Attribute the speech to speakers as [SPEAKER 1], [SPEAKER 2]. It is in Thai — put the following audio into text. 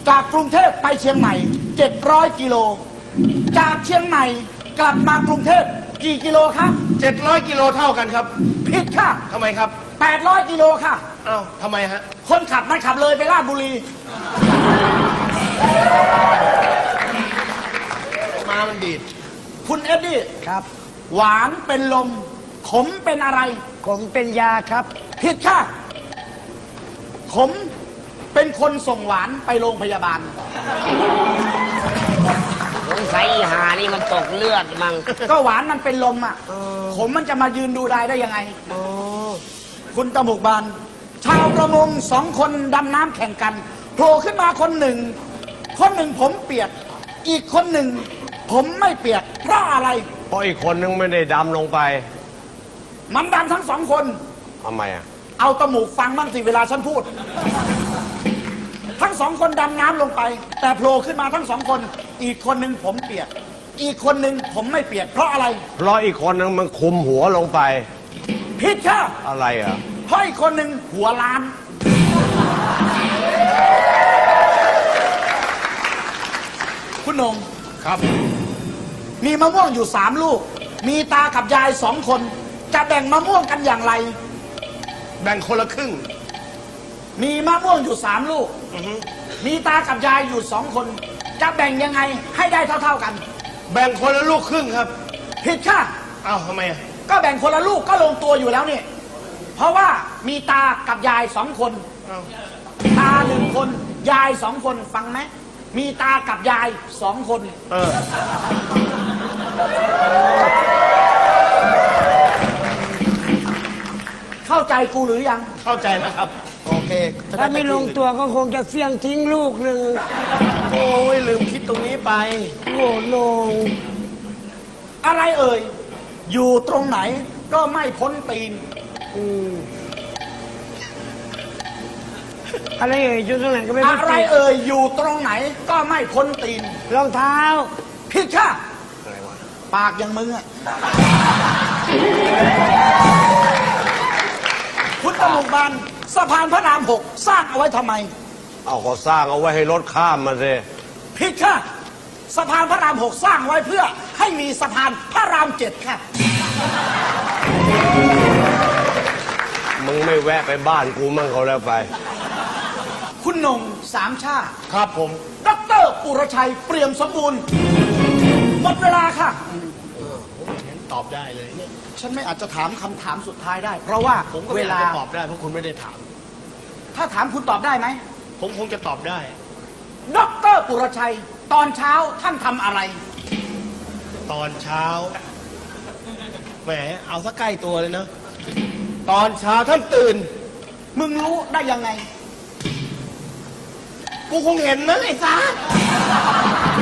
[SPEAKER 1] จากกรุงเทพไปเชียงใหม่700 กิโลจากเชียงใหม่กลับมากรุงเทพกี่กิโลครับ
[SPEAKER 2] 700 กิโลเท่ากันครับ
[SPEAKER 1] ผิดค่ะ
[SPEAKER 2] ทำไมครับ
[SPEAKER 1] 800 กิโลค่ะ
[SPEAKER 2] อ้าวทำไมฮะ
[SPEAKER 1] คนขับมันขับเลยไปราชบุรี
[SPEAKER 2] มามันดีด
[SPEAKER 1] คุณเอ็ดดี้
[SPEAKER 3] ครับ
[SPEAKER 1] หวานเป็นลมขมเป็นอะไร
[SPEAKER 3] ขมเป็นยาครับ
[SPEAKER 1] ผิดค่ะขมเป็นคนส่งหวานไปโรงพยาบาล
[SPEAKER 4] สงสัยอีหานี่มันตกเลือดมั้ง
[SPEAKER 1] ก็หวานมันเป็นลมอ่ะขมมันจะมายืนดูได้ยังไงคุณตะหมุกบานชาวประมง2 คนดำน้ำแข่งกันโผล่ขึ้นมาคนหนึ่งผมเปียกอีกคนหนึ่งผมไม่เปียกเพราะอะไร
[SPEAKER 2] เพราะอีกคนนึงไม่ได้ดำลงไป
[SPEAKER 1] มันดำทั้ง2 คน
[SPEAKER 2] ทำไมอ่ะ
[SPEAKER 1] เอาตะหมูกฟังบ้างสิเวลาฉันพูดทั้ง2 คนดำน้ำลงไปแต่โผล่ขึ้นมาทั้ง2 คนอีกคนหนึ่งผมเปียกอีกคนหนึ่งผมไม่เปียกเพราะอะไร
[SPEAKER 2] เพราะอีกคนนึงมันคุมหัวลงไป
[SPEAKER 1] ผิดค่ะ
[SPEAKER 2] อะไรอ่ะ
[SPEAKER 1] เพราะอีกคนหนึ่งหัวล้านคุณนง
[SPEAKER 2] ครับ
[SPEAKER 1] มีมะม่วงอยู่3 ลูกมีตากับยาย2 คนจะแบ่งมะม่วงกันอย่างไร
[SPEAKER 2] แบ่งคนละครึ่ง
[SPEAKER 1] มีมะม่วงอยู่3 ลูกมีตากับยายอยู่2 คนจะแบ่งยังไงให้ได้เท่าๆกัน
[SPEAKER 2] แบ่งคนละลูกครึ่งครับ
[SPEAKER 1] ผิดค่ะ
[SPEAKER 2] อ้าวทำไมอ่ะ
[SPEAKER 1] ก็แบ่งคนละลูกก็ลงตัวอยู่แล้วนี่เพราะว่ามีตากับยาย2 คนตา1 คนยาย2 คนฟังไหมมีตากับยาย2 คนเข้าใจกูหรือยัง
[SPEAKER 2] เข้าใจแล้วครับโอเค
[SPEAKER 3] ถ้าไม่ลงตัวก็คงจะเสี่ยงทิ้งลูกหนึ่ง
[SPEAKER 2] โอ้ยลืมคิดตรงนี้ไป
[SPEAKER 3] โง่ลง
[SPEAKER 1] อะไรเอ่ยอยู่ตรงไหนก็ไม่พ้นตีน
[SPEAKER 3] อะไรเอ่ยอยู่ตรงไหนก็ไม่พ้นตีน
[SPEAKER 1] อะไรเอ่ยอยู่ตรงไหนก็ไม่พ้นตีน
[SPEAKER 3] รองเท้า
[SPEAKER 1] ผิดค่ะปากอย่างมึงอะคุณตะลุกบานสะพานพระราม6สร้างเอาไว้ทำไม
[SPEAKER 2] เอาก็สร้างเอาไว้ให้รถข้ามมาสิ
[SPEAKER 1] ผิดค่ะสะพานพระราม6สร้างไว้เพื่อให้มีสะพานพระราม7ค่ะ
[SPEAKER 2] มึงไม่แวะไปบ้านกูมั่งเขาแล้วไป
[SPEAKER 1] คุณนง3 ชาติ
[SPEAKER 2] ครับผม
[SPEAKER 1] ดร.ปุรชัยเปี่ยมสมบูรณ์หมดเวลาค่ะ
[SPEAKER 2] ตอบได้เลย
[SPEAKER 1] ฉันไม่อาจจะถามคำถามสุดท้ายได้เพราะว่า
[SPEAKER 2] ผมก็เวลาตอบได้เพราะคุณไม่ได้ถาม
[SPEAKER 1] ถ้าถามคุณตอบได้ไหม
[SPEAKER 2] ผมคงจะตอบได้
[SPEAKER 1] ดร.ปุรชัยตอนเช้าท่านทำอะไร
[SPEAKER 2] ตอนเช้าแหมเอาซะใกล้ตัวเลยนะตอนเช้าท่านตื่น
[SPEAKER 1] มึงรู้ได้ยังไง
[SPEAKER 2] กูคงเห็นนะไอ้ซ่า